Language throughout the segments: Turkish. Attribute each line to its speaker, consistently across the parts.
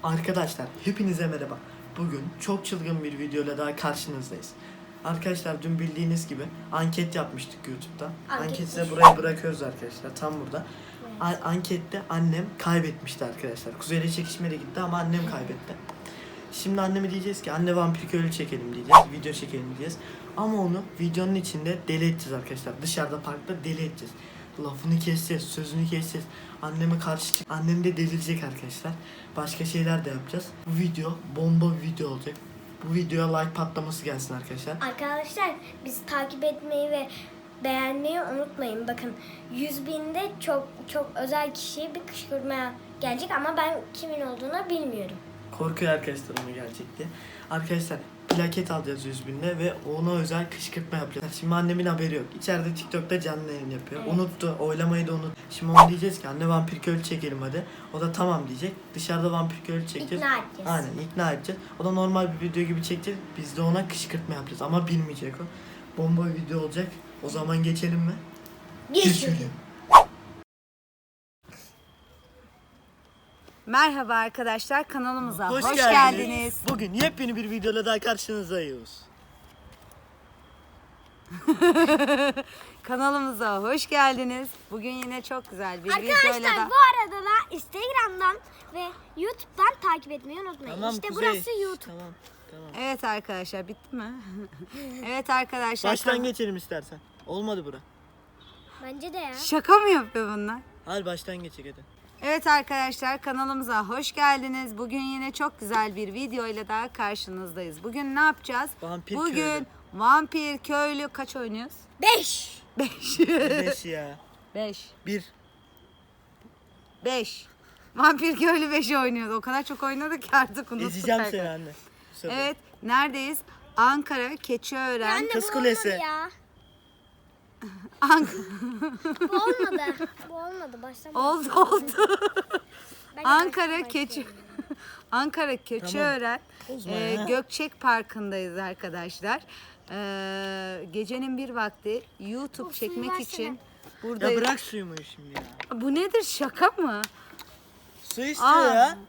Speaker 1: Arkadaşlar hepinize merhaba. Bugün çok çılgın bir videoyla daha karşınızdayız. Arkadaşlar dün bildiğiniz gibi anket yapmıştık YouTube'da. Anketi de buraya bırakıyoruz arkadaşlar, tam burada. Ankette annem kaybetmişti arkadaşlar. Kuzey'le çekişmeye gitti ama annem kaybetti. Şimdi anneme diyeceğiz ki anne vampir köylü çekelim diyeceğiz. Video çekelim diyeceğiz. Ama onu videonun içinde deli edeceğiz arkadaşlar. Dışarıda parkta deli edeceğiz. Lafını keseceğiz, sözünü keseceğiz. Anneme karşı çık. Annem de delirecek arkadaşlar. Başka şeyler de yapacağız. Bu video bomba bir video olacak. Bu videoya like patlaması gelsin arkadaşlar.
Speaker 2: Arkadaşlar bizi takip etmeyi ve beğenmeyi unutmayın. Bakın 100.000'de çok özel kişiye bir kışkırtmaya gelecek ama ben kimin olduğunu bilmiyorum.
Speaker 1: Korkuyor arkadaşlar ona gelecek diye. Arkadaşlar plaket alacağız 100.000'de ve ona özel kışkırtma yapacağız. Şimdi annemin haberi yok. İçeride TikTok'ta canlı yayın yapıyor. Evet. Unuttu. Oylamayı da unut. Şimdi ona diyeceğiz ki anne vampir köylü çekelim hadi. O da tamam diyecek. Dışarıda vampir köylü çekeceğiz.
Speaker 2: İkna edeceğiz.
Speaker 1: Aynen ikna edeceğiz. O da normal bir video gibi çekeceğiz. Biz de ona kışkırtma yapacağız ama bilmeyecek o. Bomba bir video olacak. O zaman geçelim mi?
Speaker 2: Geçelim.
Speaker 3: Merhaba arkadaşlar, kanalımıza hoş geldiniz.
Speaker 1: Bugün yepyeni bir videoyla daha karşınızdayız.
Speaker 3: Kanalımıza hoş geldiniz. Bugün yine çok güzel bir videoyla
Speaker 2: Arkadaşlar
Speaker 3: da...
Speaker 2: bu arada da Instagram'dan ve YouTube'dan takip etmeyi unutmayın.
Speaker 1: Tamam,
Speaker 2: işte
Speaker 1: Kuzey.
Speaker 2: burası YouTube.
Speaker 1: Tamam.
Speaker 3: Evet arkadaşlar, bitti mi? Evet arkadaşlar.
Speaker 1: Baştan geçelim istersen. Olmadı bura.
Speaker 2: Bence de ya.
Speaker 3: Şaka mı yapıyor bunlar?
Speaker 1: Hadi baştan geçelim hadi.
Speaker 3: Evet arkadaşlar, kanalımıza hoş geldiniz. Bugün yine çok güzel bir videoyla daha karşınızdayız. Bugün ne yapacağız?
Speaker 1: Vampir
Speaker 3: Bugün
Speaker 1: köylü.
Speaker 3: vampir köylü kaç oynuyoruz?
Speaker 2: 5.
Speaker 3: 5.
Speaker 1: 5 ya.
Speaker 3: 5.
Speaker 1: 1.
Speaker 3: 5. Vampir köylü 5 oynuyoruz. O kadar çok oynadık ki artık unuttuk.
Speaker 1: Ezeceğim
Speaker 3: arkadaşlar.
Speaker 1: seni anne. Bu sefer.
Speaker 3: Evet, neredeyiz? Ankara, Keçiören.
Speaker 2: Anne
Speaker 1: Kız
Speaker 2: bu
Speaker 1: Kulesi.
Speaker 2: olmadı ya. Bu olmadı. Bu olmadı. Başlamadı.
Speaker 3: oldu.
Speaker 2: Ben de
Speaker 3: Ankara,
Speaker 2: baştan
Speaker 3: Keçi.
Speaker 2: başlıyorum.
Speaker 3: Ankara, Keçiören.
Speaker 1: Bozma ya.
Speaker 3: Gökçek Parkı'ndayız arkadaşlar. Gecenin bir vakti YouTube
Speaker 2: Of, suyu
Speaker 3: çekmek
Speaker 2: versene.
Speaker 3: için
Speaker 1: Ya
Speaker 3: buradayız.
Speaker 1: bırak suyumu şimdi ya.
Speaker 3: Bu nedir, şaka mı?
Speaker 1: Su istiyor ya.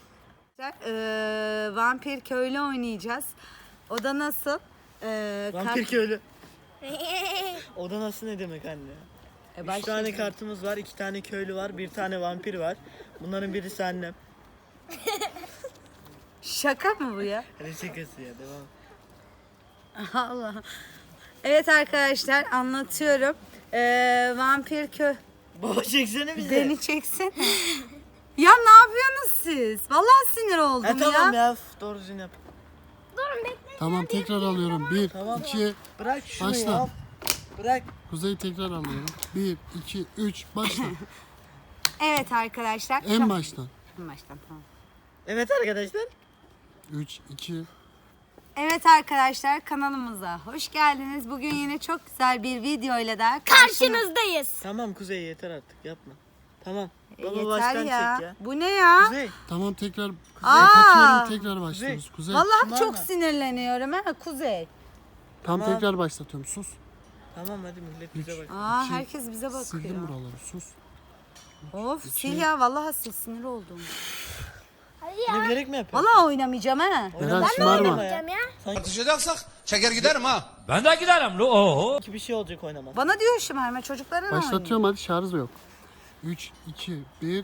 Speaker 3: Vampir köylü oynayacağız. O da nasıl?
Speaker 1: Vampir köylü. O da nasıl ne demek anne? 3 tane kartımız var, 2 tane köylü var, 1 tane vampir var. Bunların birisi annem.
Speaker 3: Şaka mı bu ya?
Speaker 1: Hadi şakası ya, devam.
Speaker 3: Allah. Evet arkadaşlar, anlatıyorum. Vampir
Speaker 1: Baba çeksene bizi.
Speaker 3: beni çeksin. Ya ne yapıyorsunuz siz? Vallahi sinir oldum
Speaker 1: Tamam
Speaker 3: ya.
Speaker 1: ya. Doğru düzgün yap.
Speaker 2: Durun bekle.
Speaker 4: Tamam, tekrar alıyorum. 1,
Speaker 1: Tamam.
Speaker 4: 2,
Speaker 1: Bırak şunu
Speaker 4: Başla.
Speaker 1: ya. Bırak.
Speaker 4: Kuzey tekrar alıyorum. 1, 2, 3, başla.
Speaker 3: Evet arkadaşlar.
Speaker 4: En baştan.
Speaker 3: En baştan, tamam.
Speaker 1: Evet arkadaşlar.
Speaker 4: 3, 2,
Speaker 3: Evet arkadaşlar, kanalımıza hoş geldiniz. Bugün yine çok güzel bir video ile daha
Speaker 2: Karşınızdayız.
Speaker 1: Tamam Kuzey, yeter artık, yapma. Tamam. Baba
Speaker 3: Yeter
Speaker 1: baştan
Speaker 3: ya.
Speaker 1: çek ya.
Speaker 3: Bu ne ya?
Speaker 1: Kuzey.
Speaker 4: tamam, tekrar
Speaker 3: Aa!
Speaker 4: kapatıyorum, tekrar başlıyoruz. Kuzey,
Speaker 3: Vallahi
Speaker 1: Şımarma.
Speaker 3: çok sinirleniyorum ha Kuzey.
Speaker 4: tam
Speaker 1: Tamam.
Speaker 4: tekrar başlatıyorum. Sus.
Speaker 1: Tamam hadi millet bize bak.
Speaker 3: Aa,
Speaker 4: İki.
Speaker 3: herkes bize bakıyor.
Speaker 4: Sildim buraları, sus.
Speaker 3: Of, sil ya, vallahi sil, sinir oldum.
Speaker 2: Hadi
Speaker 1: Bunu
Speaker 2: ya.
Speaker 1: bilerek mi yapıyorsun?
Speaker 3: Vallahi oynamayacağım ha.
Speaker 4: Berat, şımarma.
Speaker 2: Yapacağım ya.
Speaker 5: Atışacaksak çeker giderim ha.
Speaker 6: Ben de giderim lo. Oho.
Speaker 1: Bir şey olacak oynamaz.
Speaker 3: Bana diyor şımarma, çocuklara ne oynuyor?
Speaker 4: Başlatıyorum, hadi, şarj yok. 3, 2, 1.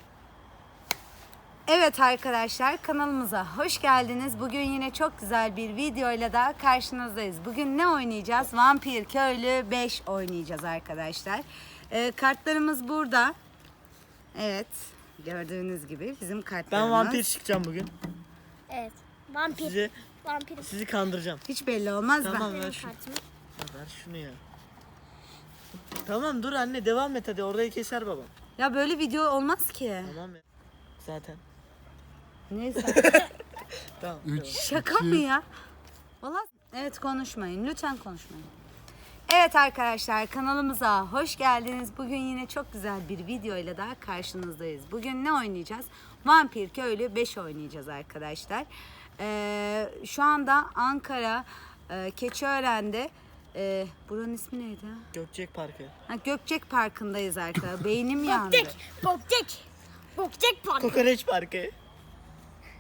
Speaker 3: Evet arkadaşlar, kanalımıza hoş geldiniz. Bugün yine çok güzel bir videoyla daha karşınızdayız. Bugün ne oynayacağız? Vampir Köylü 5 oynayacağız arkadaşlar. Kartlarımız burada. Evet, gördüğünüz gibi bizim kartlarımız.
Speaker 1: Ben vampir çıkacağım bugün.
Speaker 2: Evet. Vampir. Vampir.
Speaker 1: Sizi kandıracağım.
Speaker 3: Hiç belli olmaz
Speaker 1: Tamam
Speaker 3: ben.
Speaker 1: ver şunu.
Speaker 2: Kartımı.
Speaker 1: Ver şunu ya. Tamam dur anne, devam et hadi, orayı keser babam.
Speaker 3: Ya böyle video olmaz ki.
Speaker 1: Tamam ya. Zaten.
Speaker 3: Neyse.
Speaker 1: Tamam.
Speaker 4: 3,
Speaker 3: Şaka mı ya? Vallahi evet, konuşmayın. Lütfen konuşmayın. Evet arkadaşlar, kanalımıza hoş geldiniz. Bugün yine çok güzel bir video ile daha karşınızdayız. Bugün ne oynayacağız? Vampir Köylü 5 oynayacağız arkadaşlar. Şu anda Ankara, Keçiören'de, buranın ismi neydi?
Speaker 1: Gökçek Parkı.
Speaker 3: Ha, Gökçek Parkı'ndayız arkadaşlar. Beynim yandı.
Speaker 2: Bokcek. Bokcek. Bokcek park.
Speaker 1: Kokoreç Parkı.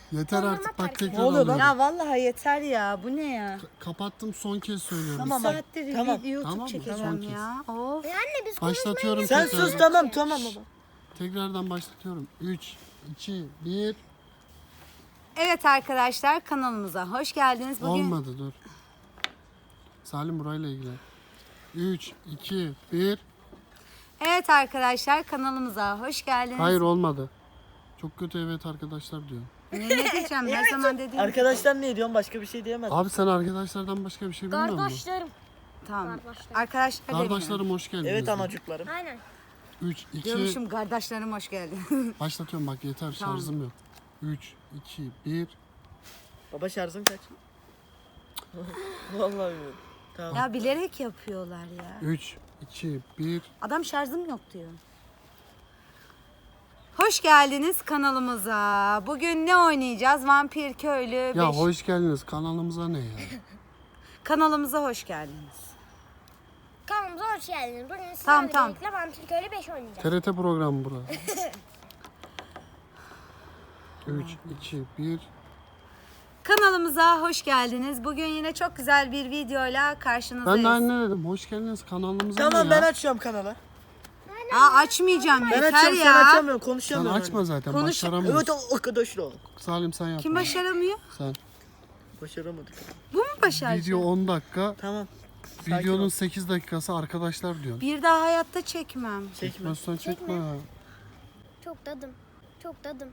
Speaker 4: Yeter artık bak tekrar
Speaker 1: Ne oluyor lan?
Speaker 4: alıyorum.
Speaker 3: Ya vallahi yeter ya. Bu ne ya?
Speaker 4: Kapattım son kez söylüyorum.
Speaker 1: Tamam.
Speaker 3: Bir saattir
Speaker 1: Tamam.
Speaker 3: YouTube
Speaker 4: Tamam mı?
Speaker 3: çekeceğim
Speaker 4: Son
Speaker 3: ya. Of.
Speaker 2: Anne biz
Speaker 4: Başlatıyorum
Speaker 1: Sen
Speaker 4: tekrar.
Speaker 1: sus tamam baba.
Speaker 4: Tekrardan başlatıyorum. 3, 2, 1.
Speaker 3: Evet arkadaşlar kanalımıza hoş geldiniz. Bugün
Speaker 4: Olmadı dur. Salim burayla ilgili. 3, 2, 1.
Speaker 3: Evet arkadaşlar kanalımıza hoş geldiniz.
Speaker 4: Hayır olmadı. Çok kötü evet arkadaşlar diyor.
Speaker 3: Ne diyeceğim? Her zaman dediğim.
Speaker 1: Arkadaşlar ne diyorsun? Başka bir şey diyemez.
Speaker 4: Abi sen arkadaşlardan başka bir şey bilmiyor musun?
Speaker 2: kardeşlerim.
Speaker 3: Tamam.
Speaker 2: Kardeşlerim.
Speaker 3: Arkadaşlar demiyorum.
Speaker 4: Kardeşlerim hoş geldiniz.
Speaker 1: Evet
Speaker 4: de.
Speaker 1: anacıklarım.
Speaker 2: Aynen.
Speaker 4: 3, 2,
Speaker 3: Diyormuşum kardeşlerim hoş geldin.
Speaker 4: başlatıyorum bak yeter
Speaker 3: Tamam.
Speaker 4: şarjım yok. 3, 2, 1.
Speaker 1: Baba şarjın kaç? Vallahi bilmiyorum. Tamam.
Speaker 3: Ya bilerek yapıyorlar ya.
Speaker 4: 3, 2, 1.
Speaker 3: Adam şarjım yok diyor. Hoş geldiniz kanalımıza. Bugün ne oynayacağız? Vampir Köylü 5.
Speaker 4: Ya hoş geldiniz kanalımıza ne ya?
Speaker 3: Kanalımıza hoş geldiniz.
Speaker 2: Kanalımıza hoş geldiniz. Bugün sizlerle
Speaker 3: Tamam.
Speaker 2: birlikte Vampir Köylü 5 oynayacağız.
Speaker 4: TRT programı bura. 3, 2, 1.
Speaker 3: Kanalımıza hoş geldiniz. Bugün yine çok güzel bir videoyla karşınızdayız.
Speaker 4: Ben de anne dedim. Hoş geldiniz kanalımıza
Speaker 1: Tamam
Speaker 4: ne
Speaker 1: ben
Speaker 4: ya?
Speaker 1: açıyorum kanalı.
Speaker 3: Aa açmayacağım
Speaker 1: Ben
Speaker 3: yeter
Speaker 1: açıyorum sen
Speaker 3: ya.
Speaker 1: açamıyorsun.
Speaker 4: Sen
Speaker 1: Konuşamıyorum.
Speaker 4: açma zaten
Speaker 3: Konuş-
Speaker 4: başaramıyorsun.
Speaker 1: Evet arkadaşlar.
Speaker 4: Salim sen yap.
Speaker 3: Kim başaramıyor?
Speaker 4: Sen.
Speaker 1: Başaramadık.
Speaker 3: Bu mu başaracak?
Speaker 4: Video 10 dakika.
Speaker 1: Tamam. Sakin
Speaker 4: Videonun
Speaker 1: ol.
Speaker 4: 8 dakikası arkadaşlar diyorsun.
Speaker 3: Bir daha hayatta çekmem.
Speaker 1: Çekme.
Speaker 4: Çekmezsen çekme. ya.
Speaker 2: Çok dadım. Çok dadım.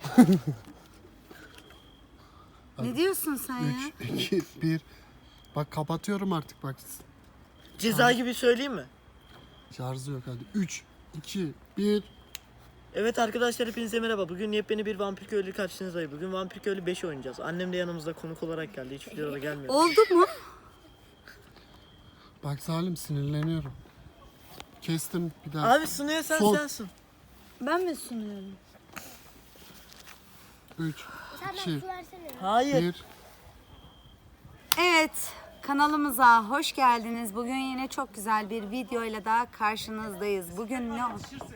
Speaker 3: Ne diyorsun sen ya?
Speaker 4: 3, 2, 1. Bak kapatıyorum artık bak.
Speaker 1: Ceza gibi söyleyeyim mi?
Speaker 4: Şarjı yok hadi. 3, 2, 1.
Speaker 1: Evet arkadaşlar hepinize merhaba. Bugün yepyeni bir Vampir Köylü karşınızdayım. Bugün Vampir Köylü 5 oynayacağız. Annem de yanımızda konuk olarak geldi. Hiç videolara gelmiyor.
Speaker 3: Oldu mu?
Speaker 4: Bak Salim sinirleniyorum. Kestim bir daha.
Speaker 1: Abi sunuyorsan
Speaker 4: Son.
Speaker 1: sensin.
Speaker 3: Ben mi sunuyorum?
Speaker 4: 3,
Speaker 2: Sen
Speaker 4: 2,
Speaker 2: ben su versene.
Speaker 1: Hayır.
Speaker 4: 1.
Speaker 3: Evet, kanalımıza hoş geldiniz. Bugün yine çok güzel bir videoyla daha karşınızdayız. Bugün ne?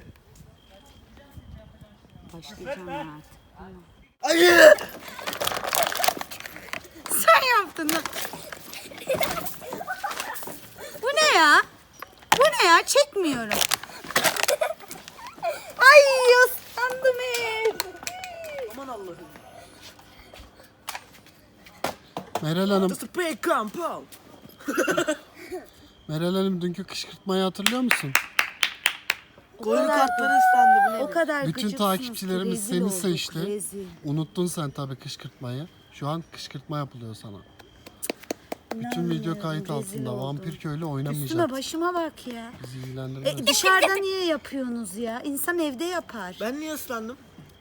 Speaker 3: Başlayacağım ben artık.
Speaker 1: Hayır.
Speaker 3: Sen yaptın lan. Bu ne ya? Bu ne ya? Çekmiyorum. Ay ıslandım hep.
Speaker 1: Aman Allah'ım.
Speaker 4: Meral Hanım,
Speaker 1: The spray compound.
Speaker 4: Meral Hanım dünkü kışkırtmayı hatırlıyor musun?
Speaker 1: Koyun kartları ıslandı bu ne?
Speaker 3: O kadar
Speaker 4: Bütün
Speaker 3: gıcıksınız ki
Speaker 4: takipçilerimiz
Speaker 3: rezil
Speaker 4: seni
Speaker 3: olduk,
Speaker 4: seçti.
Speaker 3: rezil.
Speaker 4: Unuttun sen tabii kışkırtmayı. Şu an kışkırtma yapılıyor sana. Bütün video
Speaker 3: İnanmıyorum,
Speaker 4: kayıt
Speaker 3: rezil
Speaker 4: altında.
Speaker 3: oldum.
Speaker 4: Vampir köylü
Speaker 3: Üstüme
Speaker 4: oynamayacak.
Speaker 3: başıma bak ya.
Speaker 4: Bizi ilgilendirmez.
Speaker 3: Dışarıda niye yapıyorsunuz ya? İnsan evde yapar.
Speaker 1: Ben niye ıslandım?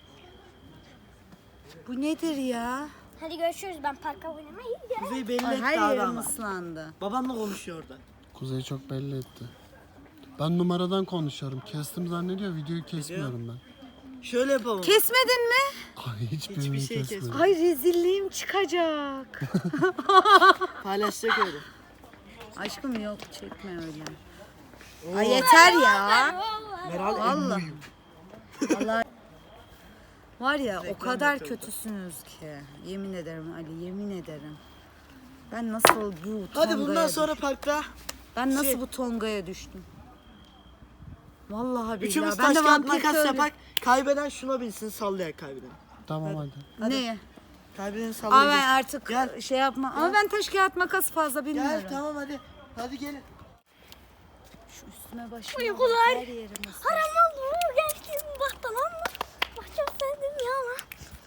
Speaker 3: Bu nedir ya?
Speaker 2: Hadi görüşürüz. Ben parka oynamaya gidiyorum.
Speaker 1: Kuzey belli
Speaker 3: Ay,
Speaker 1: etti
Speaker 3: her
Speaker 1: abi
Speaker 3: yerim
Speaker 1: ama.
Speaker 3: ıslandı.
Speaker 1: Babamla konuşuyor orada.
Speaker 4: Kuzey çok belli etti. Ben numaradan konuşuyorum. Kestim zannediyor. Videoyu kesmiyorum ben.
Speaker 1: Şöyle yapalım.
Speaker 3: Kesmedin mi?
Speaker 4: Ay hiçbirini
Speaker 1: Hiçbir şey
Speaker 4: kesmiyorum.
Speaker 3: Ay rezilliğim çıkacak.
Speaker 1: Paylaşacak öyle.
Speaker 3: Aşkım yok çekme öyle. Ay yeter ya.
Speaker 1: Meral
Speaker 3: Vallahi.
Speaker 1: emmuyum.
Speaker 3: Vallahi var ya o
Speaker 1: Reklam
Speaker 3: kadar
Speaker 1: yapıyorlar.
Speaker 3: kötüsünüz ki. Yemin ederim Ali, yemin ederim. Ben nasıl bu
Speaker 1: Hadi
Speaker 3: tongaya
Speaker 1: bundan sonra
Speaker 3: düştüm?
Speaker 1: parkta
Speaker 3: Ben nasıl
Speaker 1: şey-
Speaker 3: bu tongaya düştüm? Vallahi
Speaker 1: üçümüz
Speaker 3: billahi. Ben
Speaker 1: taş
Speaker 3: de
Speaker 1: kağıt
Speaker 3: vampir
Speaker 1: makas
Speaker 3: köylü.
Speaker 1: yapak. Kaybeden şuna bilsin sallayak kaybeden.
Speaker 4: Tamam hadi.
Speaker 3: Neye?
Speaker 1: Kaybeden
Speaker 3: Ama
Speaker 1: sallayacak.
Speaker 3: ben artık
Speaker 1: Gel.
Speaker 3: şey yapma. Ama ben taş kağıt makas fazla bilmiyorum.
Speaker 1: Gel tamam hadi. Hadi gelin.
Speaker 3: Şu üstüme başıma.
Speaker 2: Uykular.
Speaker 3: Her yerim ıslak.
Speaker 2: Haram oldu mu? Geçtim bak tamam mı? Bak çok sevdim ya lan.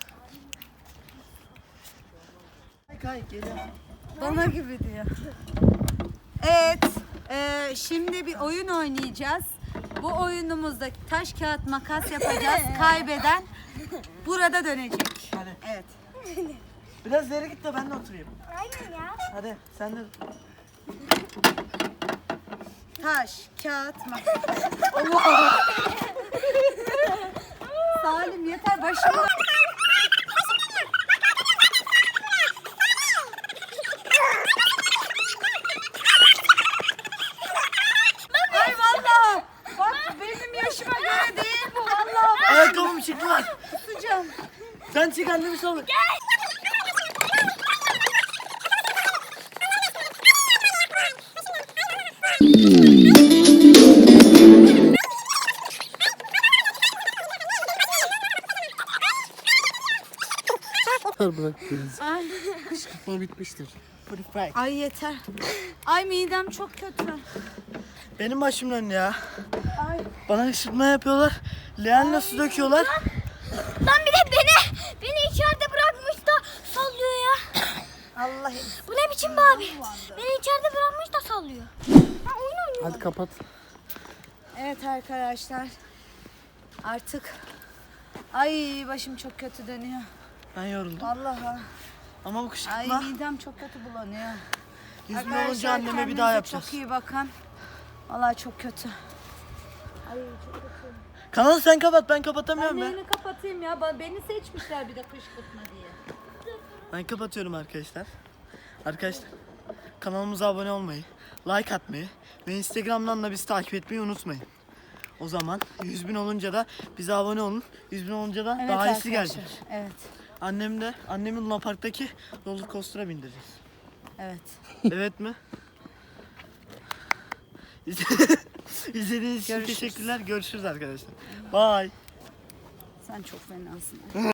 Speaker 1: Kay gelin.
Speaker 3: Bana gibi diyor. Evet. Şimdi bir oyun oynayacağız. Bu oyunumuzda taş kağıt makas yapacağız. Kaybeden burada dönecek.
Speaker 1: Hadi.
Speaker 3: Evet.
Speaker 1: Biraz ileri git de ben de oturayım.
Speaker 2: Aynen ya.
Speaker 1: Hadi sen de.
Speaker 3: Taş kağıt makas. Allah. Salim yeter başıma. Ay vallahi. Bak benim yaşıma göre değil bu vallahi.
Speaker 1: Ayakkabım çıktı lan.
Speaker 3: Tutacağım.
Speaker 1: Sen çık. Ayşe kendimi salın.
Speaker 4: Bırak beni. Kışkırtma bitmiştir.
Speaker 3: Ay yeter. Ay midem çok kötü.
Speaker 1: Benim başım döndü ya. Bana ışıtma yapıyorlar. Leğenle su döküyorlar.
Speaker 2: Lan bir de beni içeride bırakmış da sallıyor ya.
Speaker 3: Allah.
Speaker 2: Bu ne biçim bir abi? Beni içeride bırakmış da sallıyor.
Speaker 4: Hadi kapat.
Speaker 3: Evet arkadaşlar. Artık ay başım çok kötü dönüyor.
Speaker 1: Ben yoruldum.
Speaker 3: Vallahi.
Speaker 1: Ama bu
Speaker 3: Ay
Speaker 1: kışkırtma
Speaker 3: midem çok kötü bulanıyor.
Speaker 1: 100 bin olunca anneme bir daha
Speaker 3: kendinize
Speaker 1: yapacağız.
Speaker 3: Çok iyi bakın. Vallahi çok kötü. Ay çok kötü.
Speaker 1: Kanalı sen kapat, ben
Speaker 3: Ben
Speaker 1: kapatamıyorum be.
Speaker 3: neyini kapatayım ya? Beni seçmişler bir de kışkırtma diye.
Speaker 1: Ben kapatıyorum arkadaşlar. Arkadaşlar kanalımıza abone olmayı, like atmayı ve Instagram'dan da bizi takip etmeyi unutmayın. O zaman 100 bin olunca da bize abone olun. 100 bin olunca da
Speaker 3: Evet
Speaker 1: daha iyisi
Speaker 3: arkadaşlar.
Speaker 1: gelecek.
Speaker 3: Evet.
Speaker 1: Annemin Luna Park'taki roller coaster'a bindireceğiz.
Speaker 3: Evet.
Speaker 1: Evet mi? İzlediğiniz için
Speaker 3: Görüşürüz.
Speaker 1: teşekkürler. Görüşürüz arkadaşlar. Bye.
Speaker 3: Sen çok fenasın.